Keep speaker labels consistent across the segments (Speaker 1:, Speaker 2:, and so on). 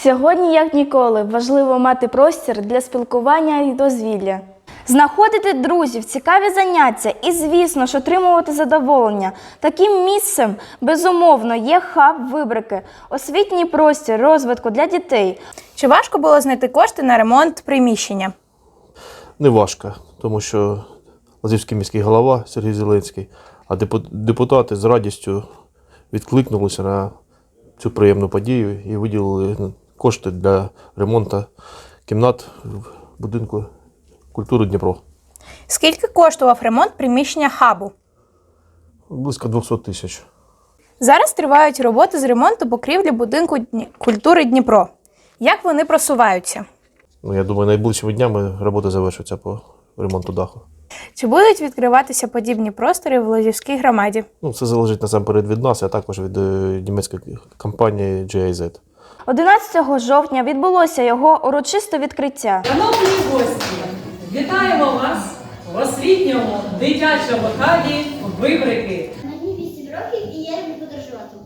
Speaker 1: Сьогодні, як ніколи, важливо мати простір для спілкування і дозвілля. Знаходити друзів, цікаві заняття і, звісно ж, отримувати задоволення. Таким місцем, безумовно, є хаб Вибрики – освітній простір розвитку для дітей.
Speaker 2: Чи важко було знайти кошти на ремонт приміщення?
Speaker 3: Не важко, тому що Лозівський міський голова Сергій Зеленський, а депутати з радістю відкликнулися на цю приємну подію і виділили кошти для ремонту кімнат в будинку культури Дніпро.
Speaker 2: Скільки коштував ремонт приміщення хабу?
Speaker 3: Близько 200 тисяч.
Speaker 2: Зараз тривають роботи з ремонту покрівлі будинку культури Дніпро. Як вони просуваються?
Speaker 3: Я думаю, найближчими днями роботи завершаться по ремонту даху.
Speaker 2: Чи будуть відкриватися подібні простори в Лозівській громаді?
Speaker 3: Це залежить насамперед від нас, а також від німецької компанії GIZ.
Speaker 1: 11 жовтня відбулося його урочисте відкриття.
Speaker 4: Шановні гості, вітаємо вас в освітньому дитячому хабі Вибрики.
Speaker 5: Мені 8 років і я люблю подорожувати.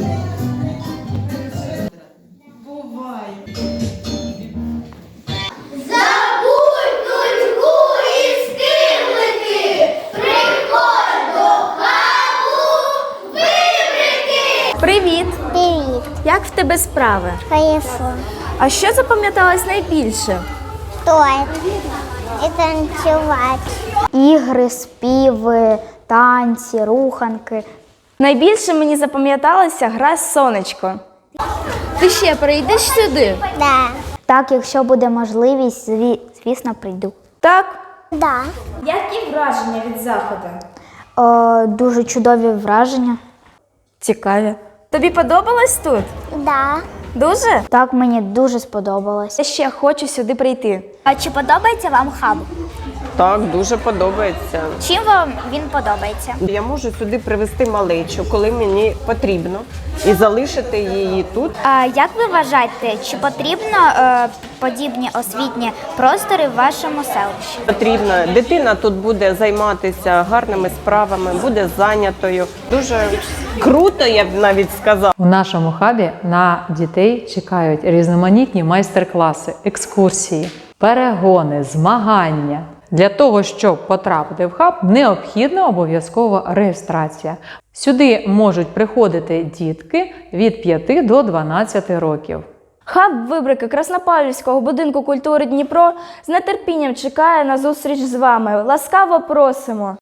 Speaker 4: Бувай!
Speaker 5: Забудь нудьгу і скиглики! Приходь до хабу Вибрики!
Speaker 1: Привіт!
Speaker 5: Привіт!
Speaker 1: Як в тебе справи?
Speaker 5: Хорошо.
Speaker 1: А що запам'яталось найбільше?
Speaker 5: Стоит. І танцювати.
Speaker 6: Ігри, співи, танці, руханки.
Speaker 1: Найбільше мені запам'яталася гра «Сонечко». Ти ще прийдеш сюди?
Speaker 5: Да.
Speaker 6: Так, якщо буде можливість, звісно, прийду.
Speaker 1: Так.
Speaker 5: Да.
Speaker 1: Які враження від заходу?
Speaker 6: Дуже чудові враження.
Speaker 1: Цікаві. Тобі подобалось тут?
Speaker 5: Да.
Speaker 1: Дуже?
Speaker 6: Так, мені дуже сподобалось.
Speaker 1: Я ще хочу сюди прийти.
Speaker 6: А чи подобається вам хаб?
Speaker 7: Так, дуже подобається.
Speaker 6: Чим вам він подобається?
Speaker 7: Я можу сюди привезти малечу, коли мені потрібно, і залишити її тут.
Speaker 6: А як ви вважаєте, чи потрібно подібні освітні простори в вашому селищі?
Speaker 7: Потрібно. Дитина тут буде займатися гарними справами, буде зайнятою. Дуже круто, я б навіть сказала.
Speaker 8: У нашому хабі на дітей чекають різноманітні майстер-класи, екскурсії, перегони, змагання. Для того, щоб потрапити в хаб, необхідна обов'язкова реєстрація. Сюди можуть приходити дітки від 5 до 12 років.
Speaker 1: Хаб Вибрики Краснопавлівського будинку культури Дніпро з нетерпінням чекає на зустріч з вами. Ласкаво просимо!